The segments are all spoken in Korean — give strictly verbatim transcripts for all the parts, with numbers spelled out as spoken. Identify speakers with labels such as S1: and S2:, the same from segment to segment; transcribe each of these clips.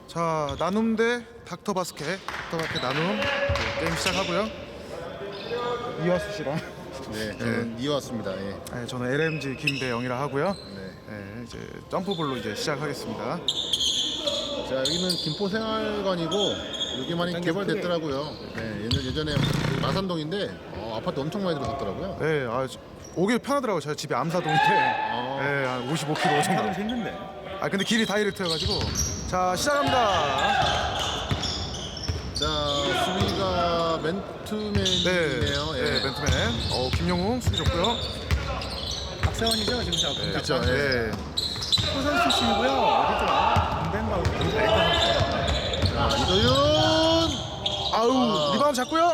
S1: 자, 나눔 대 닥터 바스켓. 닥터 바스켓 나눔. 네, 게임 시작하고요. 이화수 씨랑.
S2: 네, 저는 이화수입니다. 예.
S1: 네, 저는 엘엠지 김대영이라 하고요.
S2: 네.
S1: 네, 이제 점프볼로 이제 시작하겠습니다.
S2: 자, 여기는 김포생활관이고 여기 많이 개발됐더라고요. 네, 예전, 예전에 마산동인데 어, 아파트 엄청 많이 들어섰더라고요.
S1: 네, 아, 오기 편하더라고요. 제가 집이 암사동인데
S2: 아.
S1: 네, 한 오십오 킬로미터 정도.
S3: 하도 힘든데.
S1: 아, 근데 길이 다이렉트여가지고. 자, 시작합니다.
S2: 자, 수비가 맨투맨이네요.
S1: 네,
S2: 예.
S1: 네, 맨투맨. 어, 김영웅 수비 좋고요.
S3: 박세원이죠 지금 저
S1: 네,
S3: 그렇죠.
S1: 네.
S3: 소선 출신이고요. 어디 좀 공대인가 되게 잘했던 것 같아요.
S2: 자, 이도윤.
S1: 아우,
S2: 아.
S1: 리바운드 잡고요.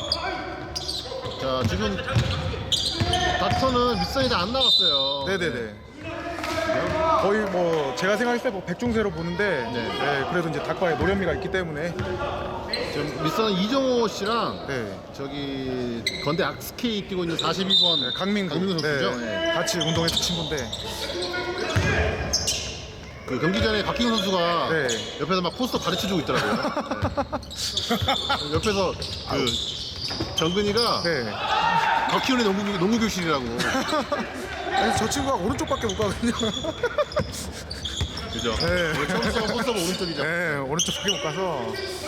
S2: 자, 지금 닥터는 밑선이 다 안 나갔어요.
S1: 네네네. 거의 뭐 제가 생각했을 때 뭐 백중세로 보는데
S2: 네.
S1: 네, 그래도 이제 닭과의 노련미가 있기 때문에
S2: 지금 밑선은 이정호 씨랑
S1: 네,
S2: 저기 건대 악스케이 뛰고 있는 사십이 번
S1: 네, 강민구,
S2: 강민구 선수죠.
S1: 네,
S2: 예.
S1: 같이 운동했던 친구인데
S2: 그 경기 전에 박희웅 선수가
S1: 네.
S2: 옆에서 막 포스터 가르쳐주고 있더라고요. 네. 옆에서 그 정근이가
S1: 네.
S2: 박희웅의 농구, 농구 교실이라고.
S1: 아니, 저 친구가 오른쪽밖에 못 가거든요.
S2: 그죠?
S1: 네.
S2: 원래 처음 써본 포스터가 오른쪽이죠.
S1: 네, 오른쪽밖에 못 가서.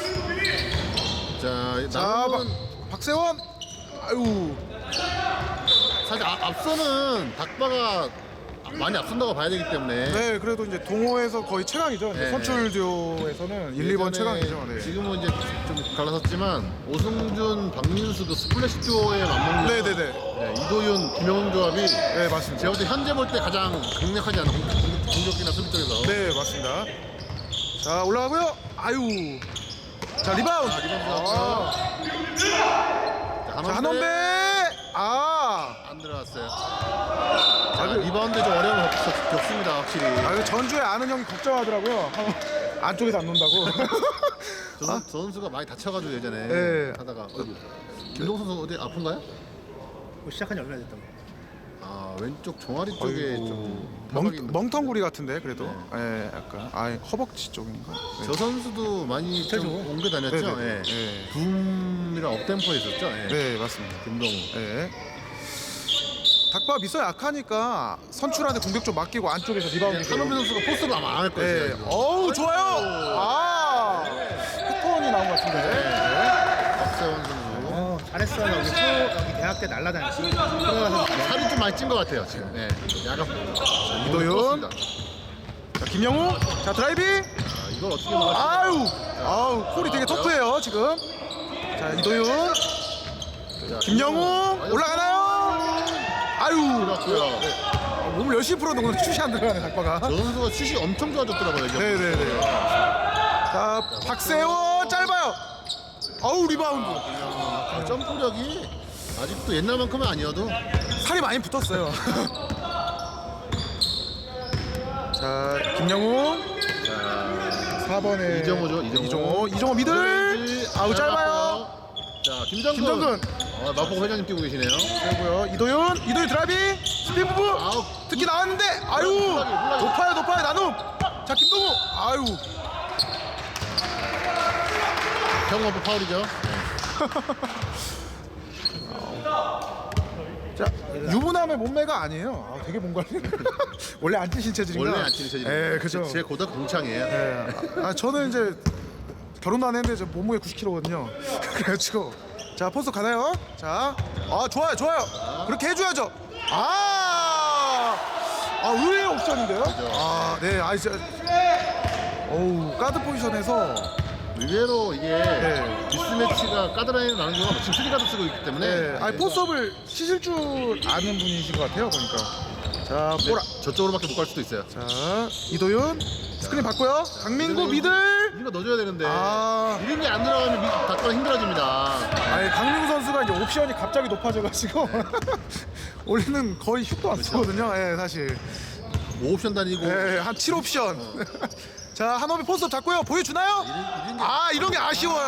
S2: 자,
S1: 자,
S2: 나는
S1: 박, 박세원. 아유,
S2: 사실 아, 앞서는 닭바가 많이 앞선다고 봐야 되기 때문에.
S1: 네, 그래도 이제 동호에서 거의 최강이죠.
S2: 네.
S1: 선출 듀오에서는 일, 이 번
S2: 예전에
S1: 최강이죠. 네.
S2: 지금은 이제 좀 갈라섰지만 오승준, 박민수도 스플래시 듀오에 맞먹는.
S1: 네네네.
S2: 네, 이도윤, 김영웅 조합이
S1: 네, 맞습니다.
S2: 제가 볼 때 현재 볼 때 가장 강력하지 않나 공- 공- 공격이나 수비 쪽에서.
S1: 네, 맞습니다. 자, 올라가고요. 아유. 자, 리바운드.
S2: 자, 리바운드
S1: 아.
S2: 나왔고요. 자,
S1: 자, 한원배. 아.
S2: 안 들어갔어요. 자, 리바운드 좀 어려움을 겪- 겪습니다, 확실히.
S1: 아, 이거 전주에 아는 형이 걱정하더라고요. 안쪽에서 안 논다고.
S2: 저, 선- 저 선수가 많이 다쳐가지고 예전에
S1: 네.
S2: 하다가 어이구. 김동 선수 어디 아픈가요?
S3: 뭐 시작한 지 얼마나 됐던 거?
S2: 아, 왼쪽 종아리 쪽에
S1: 아이고.
S2: 좀
S1: 멍,
S2: 타박이 있는
S1: 멍텅구리 같은데 그래도.
S2: 네.
S1: 예, 약간. 아, 허벅지 쪽인가? 네.
S2: 저 선수도 많이 좀
S3: 그죠?
S2: 옮겨 다녔죠.
S1: 네네.
S2: 예.
S1: 네.
S2: 붐이랑 업템포에 있었죠. 예.
S1: 네, 맞습니다.
S2: 김동우.
S1: 예. 닭바 미서 약하니까 선출한테 공격 좀 맡기고 안쪽에서 리바운드.
S2: 한원배 선수가 포스를 아마 안 할 거예요.
S1: 네.
S2: 제가 이거.
S1: 어우, 좋아요. 아. 패턴이 나온 것 같은데. 네.
S2: 박세원 선수.
S3: 어 잘했어. 여기 초 여기 대학 때 날라다녔지. 들어가서
S2: 살이 좀 많이 찐 것 같아요 지금. 네. 약간
S1: 이도윤. 자, 김영우. 자, 드라이빙.
S2: 아, 이걸 어떻게 막았지?
S1: 아유. 아우, 콜이 되게 터프해요, 지금. 자, 이도윤.
S2: 자,
S1: 김영우. 올라가나요? 아유.
S2: 들어갔고요.
S1: 아, 몸을 열심히 풀었는데 오늘 슛이 안 들어가네, 닭바가.
S2: 저 선수가 슛이 엄청 좋아졌더라고요. 이제.
S1: 네네네. 자, 박세원 짧아요. 아우, 리바운드.
S2: 아, 점프력이 아직도 옛날만큼은 아니어도.
S1: 살이 많이 붙었어요. 자, 김영우.
S2: 자,
S1: 사 번에
S2: 이정호죠. 이정호.
S1: 이정호, 이정호 미들.
S2: 렌즈
S1: 아우, 짧아요.
S2: 짧았고요. 자, 김정근.
S1: 김정근.
S2: 아, 마포 회장님 뛰고 계시네요.
S1: 그리고요, 이도윤. 이도윤 드라이빙. 스핀 부부.
S2: 아우,
S1: 특히 나왔는데. 아유.
S2: 몰라요, 몰라요.
S1: 높아요, 높아요. 나눔. 자, 김동우. 아유.
S2: 경험부 파울이죠.
S1: 자, 유부남의 몸매가 아니에요. 아, 되게 뭔가 원래 안 찌신 체질인가?
S2: 원래 안 치는 체질.
S1: 예, 그죠.
S2: 제 고등 공창이에요.
S1: 예. 아, 저는 이제 결혼도 안 했는데 저 몸무게 구십 킬로그램거든요. 그래가지고 자, 포스 가나요? 자, 아, 좋아요, 좋아요. 그렇게 해줘야죠. 아, 아, 의외의 옵션인데요. 아, 네, 아, 이제 어우, 가드 포지션에서
S2: 의외로 이게
S1: 네.
S2: 미스매치가 가드라인으로 나는 경우가 지금 쓰리 가드 쓰고 있기 때문에.
S1: 네, 아니 포스업을 치실 줄 아는 분이신 것 같아요, 보니까. 자,
S2: 네,
S1: 보라.
S2: 저쪽으로밖에 못 갈 수도 있어요.
S1: 자, 이도윤 스크린 받고요. 강민구 미들.
S2: 이거 넣어줘야 되는데.
S1: 아.
S2: 이런 게 안 들어가면 미- 닭가가 힘들어집니다.
S1: 아니, 강민구 선수가 이제 옵션이 갑자기 높아져가지고 원래는 거의 슛도 안 쓰거든요. 예, 사실.
S2: 오 옵션 다니고.
S1: 예, 한 칠 옵션. 자, 한호비 포스업 잡고요. 보여주나요?
S2: 이런, 이런 게
S1: 아, 이런 게 아쉬워요.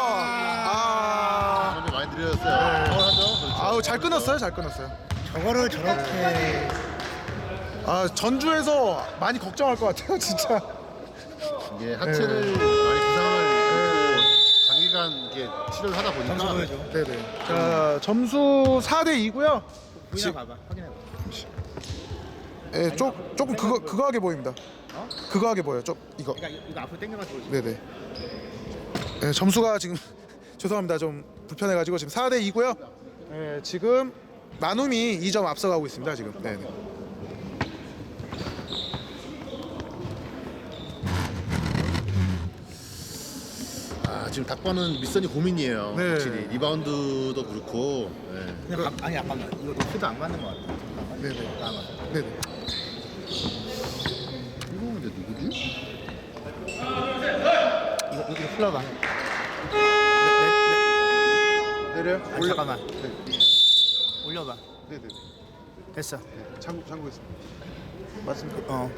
S1: 아,
S2: 아, 많이 느려졌어요. 파울하죠. 그렇죠.
S1: 아우, 잘 끊었어요, 잘 끊었어요.
S3: 저거를 저렇게
S1: 아, 전주에서 많이 걱정할 것 같아요, 진짜.
S2: 이게 하체를 많이 부상을 입고 장기간 이렇게 치료를 하다
S3: 점수
S2: 보니까
S3: 보여줘.
S1: 네네. 자 점수 사 대 이고요.
S3: 보이나 봐봐. 확인해봐.
S1: 예, 조, 조금 그거 그거하게 보입니다.
S3: 어?
S1: 그거하게 보여요. 좀 이거.
S3: 그러니까 이거 앞으로 당겨가지고.
S1: 네네. 예, 점수가 지금 죄송합니다. 좀 불편해가지고 지금 사 대 이고요. 예, 지금 나눔이 이 점 앞서가고 있습니다. 지금. 네네.
S2: 아, 지금 닭바는 밑선이 고민이에요.
S1: 네.
S2: 확실히 리바운드도 그렇고. 네.
S3: 그냥 감, 아니 잠깐만. 이거 높이도 안 맞는 것 같아. 잠깐만.
S1: 네네.
S3: 안 맞아.
S1: 네네.
S2: 이거 근데 누구지?
S3: 이거 이거 이거 풀어봐.
S1: 내려요?
S3: 아니, 잠깐만. 올려봐.
S1: 네네.
S3: 됐어.
S1: 잠구 잠구했습니다.
S3: 맞습니다. 어.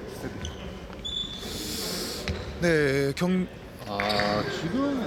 S1: 네, 경
S2: 아, 지금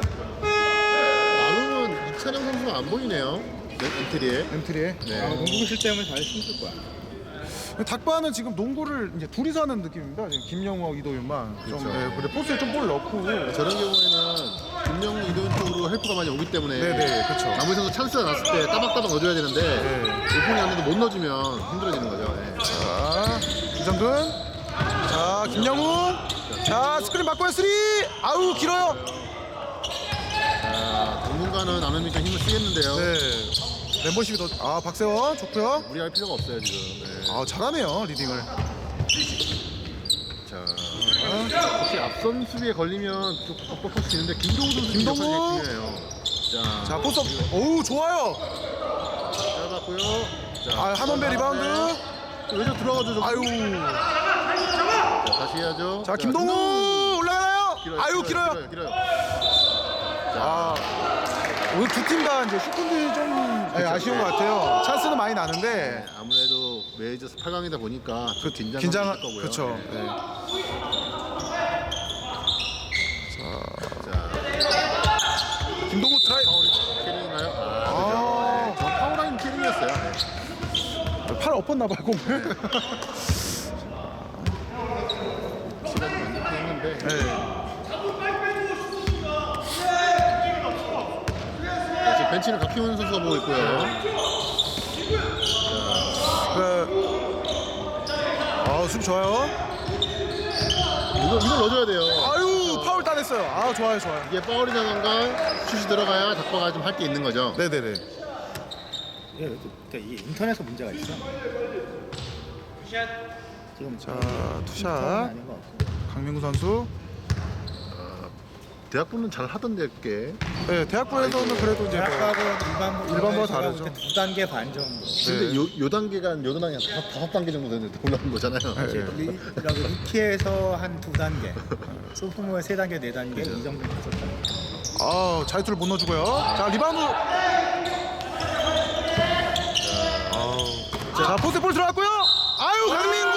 S2: 나눔은 이찬영 선수가 안 보이네요. 네, 엔트리에.
S1: 엠트리에.
S2: 네.
S3: 아, 농구 실점을 잘 힘쓸 거야.
S1: 닭바는 지금 농구를 이제 둘이서 하는 느낌입니다. 지금 김영호, 이도윤만 좀
S2: 그렇죠.
S1: 네, 근데 포스에 좀 볼 넣고.
S2: 저런 경우에는 김영우 이도현 쪽으로 헬프가 많이 오기 때문에
S1: 네네, 그렇죠.
S2: 남은 선수 찬스가 났을 때 따박따박 넣어줘야 되는데
S1: 네.
S2: 오픈이 안 돼도 못 넣어주면 힘들어지는 거죠. 네.
S1: 자, 이정근. 자, 김영우. 자, 스크린 바꿔요 쓰리. 아우 길어요.
S2: 자, 당분간은 나눔이 좀 힘을 쓰겠는데요.
S1: 네. 멤버십이 더. 아, 박세원 좋고요.
S2: 무리할 필요가 없어요 지금. 네.
S1: 아, 잘하네요 리딩을.
S2: 자, 혹시 앞선 수비에 걸리면 좀 뻑뻑할 수 있는데 김동우 선수
S1: 김동우!
S2: 역할이 중요해요. 자,
S1: 자, 포스업. 오우 좋아요.
S2: 짧았고요. 자,
S1: 아, 한원배 리바운드.
S2: 왼쪽 들어가죠. 좀.
S1: 아유.
S2: 자, 다시 해야죠.
S1: 자, 김동우 올라가나요?
S2: 길어요,
S1: 아유
S2: 길어요,
S1: 길어요.
S2: 길어요.
S1: 아, 오늘 두 팀 다 이제 슈팅들이 좀 네, 아쉬운 것 같아요. 찬스는 많이 나는데
S2: 네, 아무래도 메이저스 팔 강이다 보니까 그 긴장감이
S1: 긴장,
S2: 있을 거고요.
S1: 그렇죠.
S2: 네.
S1: 네.
S2: 자,
S1: 김동우 드라이.
S2: 파울 캐링인가요? 아,
S1: 아.
S2: 그죠. 네, 저 파울라인 캐링이었어요. 네.
S1: 팔 엎었나 봐요 공을.
S2: 시간이 많이 했는데.
S1: 네.
S2: 자, 지금 벤치는 박희원 선수가 보고 있고요.
S1: 그, 아 수비 좋아요.
S2: 이거 이걸 넣어줘야 돼요.
S1: 아유 파울 따냈어요. 아 좋아요 좋아요.
S2: 이게 파울이라던가 슛이 들어가야 닭바가 좀 할 게 있는 거죠.
S1: 네네네.
S3: 이게 그러니까 이 인터넷에 문제가 있어. 지금
S1: 자
S3: 인터넷
S1: 투샷
S3: 아닌 것 같고.
S1: 강민구 선수.
S2: 대학부는 잘 하던데 꽤.
S1: 네 대학부에서는 그래도 이제 뭐,
S3: 대학하고 일반부
S1: 일반부와 다르죠.
S3: 두 단계 반 정도.
S2: 근데
S1: 네.
S2: 요, 요 단계가 요 단계 한 다섯, 다섯 단계 정도 되는데 올라온 거잖아요.
S1: 네.
S3: 리, 여기 루키에서 한 두 단계, 소프트웨어 세 단계, 네 단계 이 정도 있었다.
S1: 아 자유투를 못 넣어주고요. 자 리바운드. 아우. 자 포스트 볼 들어갔고요. 아유 강민구.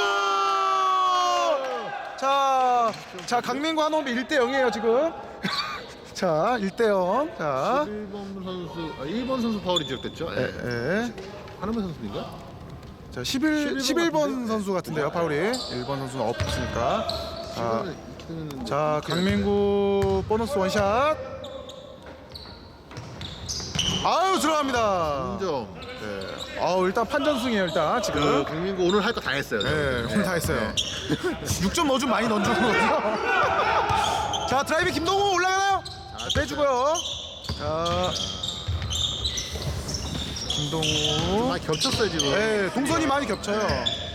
S1: 자, 자 강민구 한홈이 일 대 영이에요 지금. 자 일 대 영. 자.
S2: 일 번 선수, 아, 일 번 선수 파울이 지적됐죠.
S1: 예, 예.
S2: 하나만 선수인가?
S1: 자 십일,
S2: 십일 번
S1: 십일 번
S2: 같은데?
S1: 선수 같은데요 파울이. 일 번 선수는 없으니까. 자,
S2: 시간을
S1: 자 강민구 보너스 원샷. 아유 들어갑니다.
S2: 점.
S1: 네. 아우 일단 판전승이에요 일단
S2: 그
S1: 지금.
S2: 강민구 오늘 할 거 다 했어요.
S1: 네, 오늘 다 했어요. 육 점 넣어주면 많이 넣어주는 거죠. 자 드라이브 김동우 올라가나요? 자, 빼주고요. 자 김동우.
S2: 많이 겹쳤어요 지금.
S1: 네, 동선이 많이 겹쳐요.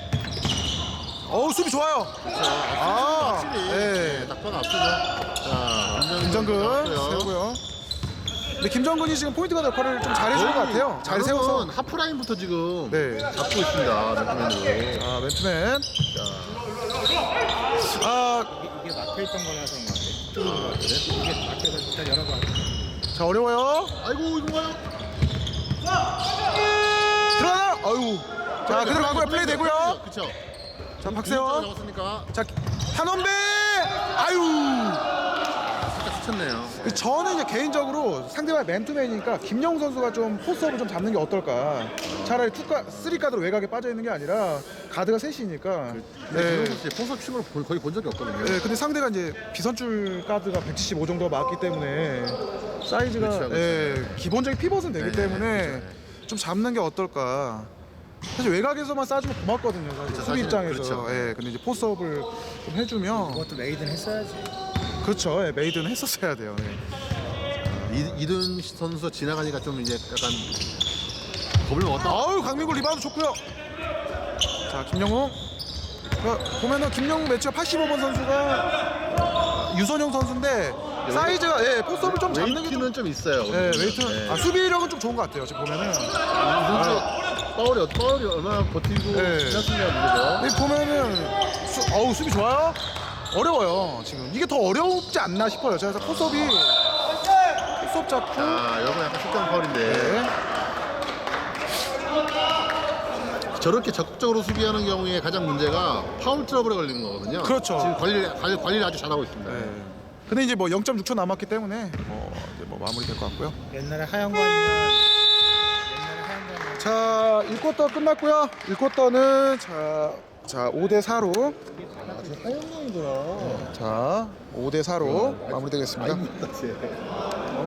S1: 어우 수비 좋아요. 아,
S2: 확실히.
S1: 네.
S2: 네, 닭바가 앞서죠. 자,
S1: 김정근
S2: 나왔고요.
S1: 세우고요. 근데 김정근이 지금 포인트가드 역할을 좀 잘해주는 것 같아요. 잘 세워서.
S2: 나눔은 하프라인부터 지금
S1: 네.
S2: 잡고 있습니다. 맨투맨으로.
S1: 자 맨투맨.
S2: 자,
S1: 아,
S3: 이게, 이게 막혀 있던 거라서 그런 것 같아. 이게 막혀서 일단 열어봐.
S1: 자 어려워요.
S2: 아이고 이건가요?
S1: 들어가나? 아유. 자 그대로 가고요. 플레이 되고요.
S2: 그렇죠.
S1: 자 박세원.
S2: 잡았으니까
S1: 자 한원배. 아유.
S2: 살짝 스쳤네요.
S1: 그 저는 이제 개인적으로 상대방 맨투맨이니까 김영우 선수가 좀 포스업을 좀 잡는 게 어떨까. 차라리 투가 쓰리 가드로 외곽에 빠져 있는 게 아니라 가드가 셋이니까.
S2: 네.
S1: 네.
S2: 선수 포섭 춤을 본- 거의 본 적이 없거든요.
S1: 네, 근데 상대가 이제 비선줄 가드가 백칠십오 정도가 맞기 때문에 사이즈가
S2: 그렇죠, 그렇죠.
S1: 예, 기본적인 피벗은 되기
S2: 네,
S1: 때문에
S2: 그렇죠.
S1: 좀 잡는 게 어떨까. 사실 외곽에서만 쏴주면 고맙거든요. 사실
S2: 그렇죠,
S1: 수비
S2: 사실
S1: 입장에서.
S2: 그렇죠.
S1: 예, 근데 이제 포스업을 좀 해주면
S3: 그것도 메이든 했어야지.
S1: 그렇죠. 예, 메이드는 했었어야 돼요. 네.
S2: 이, 이든 선수 지나가니까 좀 이제 약간 겁을 먹었다.
S1: 아우 강민구 리바운드 좋고요. 자 김영웅. 그러니까 보면은 김영웅 매치가 팔십오 번 선수가 유선영 선수인데 사이즈가 예, 포스업을 좀 잡는 게 좀.
S2: 웨이트는 좀 있어요.
S1: 예, 웨이트는
S2: 네.
S1: 아 수비력은 좀 좋은 것 같아요. 지금 보면은.
S2: 선수 파울이 파울이 얼마나 버티고
S1: 네.
S2: 지났느냐 문제죠.
S1: 여기 보면은 수, 어우 수비 좋아요. 어려워요. 지금 이게 더 어렵지 않나 싶어요. 제가 그래서 포스업이 포스업 잡고.
S2: 자, 여러분 약간 실전 파울인데
S1: 네.
S2: 저렇게 적극적으로 수비하는 경우에 가장 문제가 파울 트러블에 걸리는 거거든요.
S1: 그렇죠.
S2: 지금 관리 관리 관리를 아주 잘하고 있습니다.
S1: 네. 근데 이제 뭐 영 점 육 초 남았기 때문에 뭐 이제 뭐 마무리 될 것 같고요.
S3: 옛날에 하영관이면 옛날에 하영관
S1: 자, 일 쿼터 끝났고요. 일 쿼터는 자, 자 오 대 사로
S3: 아주 하영관이더라.
S1: 자 오 대 사로 마무리되겠습니다.
S2: 아닙니다, 쟤.